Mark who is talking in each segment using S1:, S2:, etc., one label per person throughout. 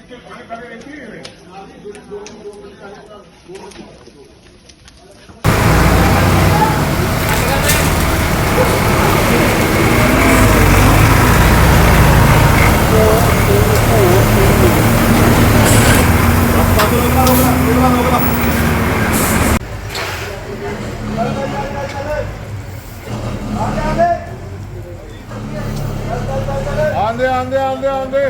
S1: आंदे आंदे आंदे आंदे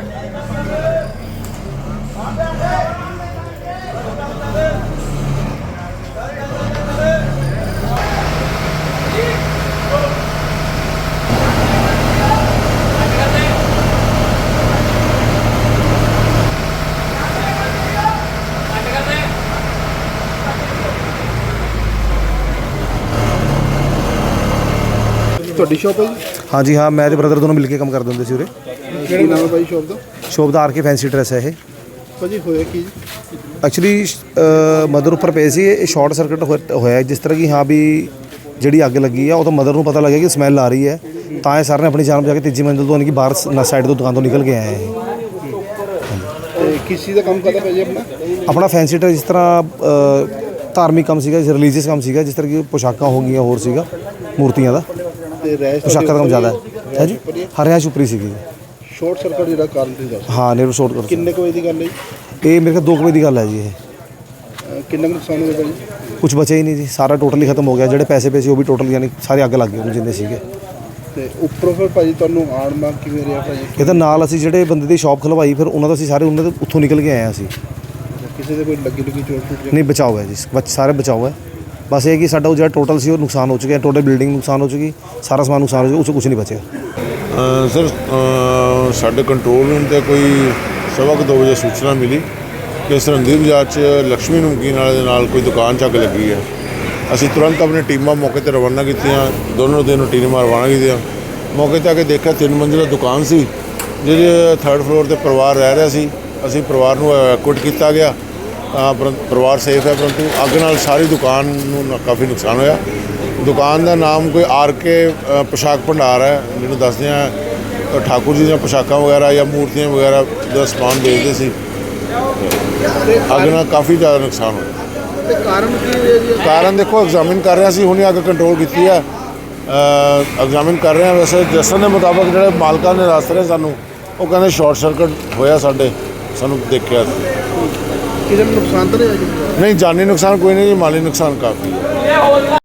S2: ਤੁਹਾਡੀ ਸ਼ੌਪ ਹੈ ਜੀ?
S3: हाँ जी हाँ, मैं ते ब्रदर दोनों मिलके काम करते ਹੁੰਦੇ ਸੀ ਉਰੇ।
S2: ਕਿਹੜਾ ਨਾਮ ਹੈ ਭਾਈ ਸ਼ੌਪ ਦਾ?
S3: ਸ਼ੋਪ ਦਾ ਆਰ ਕੇ ਫੈਂਸੀ ਡਰੈਸ ਹੈ ਇਹ।
S2: ਭਾਜੀ ਹੋਇਆ ਕੀ ਜੀ?
S3: ਐਕਚੁਅਲੀ ਮਦਰ ਉੱਪਰ ਪਏ ਸੀ, ਇਹ ਸ਼ਾਰਟ ਸਰਕਟ ਹੋਇਆ ਜਿਸ ਤਰ੍ਹਾਂ ਕਿ ਹਾਂ ਵੀ ਜਿਹੜੀ ਅੱਗ ਲੱਗੀ ਆ ਉਹ ਤਾਂ ਮਦਰ ਨੂੰ ਪਤਾ ਲੱਗਿਆ ਕਿ ਸਮੈਲ ਆ ਰਹੀ ਹੈ, ਤਾਂ ਇਹ ਸਰ ਨੇ ਆਪਣੀ ਜਾਨ ਬਚਾ ਕੇ ਤੀਜੀ ਮੰਜ਼ਿਲ ਤੋਂ ਯਾਨੀ ਕਿ ਬਾਹਰ ਸਾਈਡ ਤੋਂ ਦੁਕਾਨ ਤੋਂ ਨਿਕਲ ਕੇ ਆਏ ਇਹ।
S2: ਕਿਸ ਚੀਜ਼ ਦਾ ਕੰਮ ਕਰਦਾ ਭਾਜੀ ਆਪਣਾ?
S3: ਆਪਣਾ ਫੈਂਸੀ ਡਰੈਸ ਜਿਸ ਤਰ੍ਹਾਂ ਧਾਰਮਿਕ ਕੰਮ ਸੀਗਾ, ਰਿਲੀਜੀਅਸ ਕੰਮ ਸੀਗਾ, ਜਿਸ ਤਰ੍ਹਾਂ ਕਿ ਪੋਸ਼ਾਕਾਂ ਹੋ ਗਈਆਂ, ਹੋਰ ਸੀਗਾ ਮੂਰਤੀਆਂ ਦਾ,
S2: ਤੇ ਰੈਸ਼
S3: ਪੋਸ਼ਾਕਾਂ ਦਾ ਕੰਮ ਜ਼ਿਆਦਾ ਹੈ ਜੀ। ਹਰਿਆਣਾ ਉਪਰੀ ਸੀਗੀ।
S2: ਸ਼ਾਰਟ ਸਰਕਟ ਜਿਹੜਾ ਕਾਰਨ ਤੁਸੀਂ ਦੱਸ?
S3: ਹਾਂ, ਨੇੜ ਸ਼ਾਰਟ ਕਰ।
S2: ਕਿੰਨੇ ਕੁ ਵਜੇ ਦੀ ਗੱਲ ਹੈ ਜੀ?
S3: ਇਹ ਮੇਰੇ ਖਿਆਲ 2 ਵਜੇ ਦੀ ਗੱਲ ਹੈ ਜੀ। ਇਹ
S2: ਕਿੰਨਾ ਕੁ ਨੁਕਸਾਨ ਹੋਇਆ ਭਾਜੀ?
S3: ਕੁਝ ਬਚਿਆ ਹੀ ਨਹੀਂ ਜੀ, ਸਾਰਾ ਟੋਟਲੀ ਖਤਮ ਹੋ ਗਿਆ। ਜਿਹੜੇ ਪੈਸੇ ਪਏ ਸੀ ਉਹ ਵੀ ਟੋਟਲ ਯਾਨੀ ਸਾਰੇ ਅੱਗ ਲੱਗ ਗਏ ਉਹਨੂੰ ਜਿੰਨੇ ਸੀਗੇ।
S2: ਤੇ ਉੱਪਰੋਂ ਫਿਰ ਭਾਜੀ ਤੁਹਾਨੂੰ ਆਣ ਮਾਰ ਕਿਵੇਂ ਰਿਹਾ ਭਾਜੀ?
S3: ਇਹ ਤਾਂ ਨਾਲ ਅਸੀਂ ਜਿਹੜੇ ਬੰਦੇ ਦੀ ਸ਼ਾਪ ਖਲਵਾਈ, ਫਿਰ ਉਹਨਾਂ ਦਾ ਅਸੀਂ ਸਾਰੇ ਉਹਨਾਂ ਦੇ ਉੱਥੋਂ ਨਿਕਲ ਕੇ ਆਏ ਹਾਂ ਅਸੀਂ।
S2: ਕਿਸੇ ਦੇ ਕੋਈ ਲੱਗੀ ਚੋਟ ਫੁੱਟ?
S3: ਨਹੀਂ, ਬਚਾਓ ਹੈ ਜੀ, ਸਾਰੇ ਬਚਾਓ ਹੈ। ਬਸ ਇਹ ਕਿ ਸਾਡਾ ਉਹ ਜਿਹੜਾ ਟੋਟਲ ਸੀ ਉਹ ਨੁਕਸਾਨ ਹੋ ਚੁੱਕਿਆ, ਟੋਟਲ ਬਿਲਡਿੰਗ ਨੁਕਸਾਨ ਹੋ ਚੁੱਕੀ, ਸਾਰਾ ਸਮਾਨ ਨੁਕਸਾਨ ਹੋ ਚੁੱਕਾ, ਉਸ 'ਚ ਕੁਝ ਨਹੀਂ ਬਚਿਆ।
S1: ਸਰ ਸਾਡੇ ਕੰਟਰੋਲ ਰੂਮ ਤੇ ਕੋਈ 2:15 ਵਜੇ ਸੂਚਨਾ ਮਿਲੀ ਕਿ ਸਰਹੰਦੀ ਬਾਜ਼ਾਰ 'ਚ ਲక్ష్ਮੀ ਨਮਕੀਨ ਵਾਲੇ ਦੇ ਨਾਲ ਕੋਈ ਦੁਕਾਨ 'ਚ ਅੱਗ ਲੱਗੀ ਹੈ। ਅਸੀਂ ਤੁਰੰਤ ਆਪਣੀ ਟੀਮਾਂ ਮੌਕੇ 'ਤੇ ਰਵਾਨਾ ਕੀਤੀਆਂ, ਦੋਨੋਂ ਟੀਮਾਂ ਰਵਾਨਾ ਕੀਤੀਆਂ। ਮੌਕੇ 'ਤੇ ਆ ਕੇ ਦੇਖਿਆ 3 ਮੰਜ਼ਿਲਾ ਦੁਕਾਨ ਸੀ, ਜਿਹਦੇ 3rd ਫਲੋਰ 'ਤੇ ਪਰਿਵਾਰ ਰਹਿ ਰਿਹਾ ਸੀ। ਅਸੀਂ ਪਰਿਵਾਰ ਨੂੰ ਐਵੈਕੂਏਟ ਕੀਤਾ ਗਿਆ, ਪਰਿਵਾਰ ਸੇਫ ਹੈ, ਪਰੰਤੂ ਅੱਗ ਨਾਲ ਸਾਰੀ ਦੁਕਾਨ ਨੂੰ ਕਾਫੀ ਨੁਕਸਾਨ ਹੋਇਆ। ਦੁਕਾਨ ਦਾ ਨਾਮ ਕੋਈ ਆਰ ਕੇ ਪੋਸ਼ਾਕ ਭੰਡਾਰ ਹੈ, ਜਿਹਨੂੰ ਦੱਸਦੇ ਆ ਠਾਕੁਰ ਜੀ ਦੀਆਂ ਪੋਸ਼ਾਕਾਂ ਵਗੈਰਾ ਜਾਂ ਮੂਰਤੀਆਂ ਵਗੈਰਾ ਦਾ ਸਮਾਨ ਵੇਚਦੇ ਸੀ। ਅੱਗ ਨਾਲ ਕਾਫੀ ਜ਼ਿਆਦਾ ਨੁਕਸਾਨ ਹੋਇਆ।
S2: ਤੇ ਕਾਰਨ ਕੀ ਹੈ ਜੀ?
S1: ਕਾਰਨ ਦੇਖੋ, ਐਗਜ਼ਾਮਿਨ ਕਰ ਰਹੇ ਸੀ, ਹੁਣੇ ਅੱਗ ਕੰਟਰੋਲ ਕੀਤੀ ਹੈ, ਐਗਜ਼ਾਮਿਨ ਕਰ ਰਹੇ ਹਾਂ। ਵੈਸੇ ਦੱਸਣ ਦੇ ਮੁਤਾਬਕ ਜਿਹੜੇ ਮਾਲਕਾਂ ਨੇ ਦੱਸ ਰਹੇ ਸਾਨੂੰ, ਉਹ ਕਹਿੰਦੇ ਸ਼ਾਰਟ ਸਰਕਟ ਹੋਇਆ, ਸਾਨੂੰ ਦੇਖਿਆ ਸੀ।
S2: ਕਿਸੇ ਨੂੰ ਨੁਕਸਾਨ ਤਾਂ ਨਹੀਂ ਆਇਆ ਜੀ?
S1: ਨਹੀਂ, ਜਾਨੀ ਨੁਕਸਾਨ ਕੋਈ ਨਹੀਂ ਜੀ, ਮਾਲੀ ਨੁਕਸਾਨ ਕਾਫੀ ਹੈ।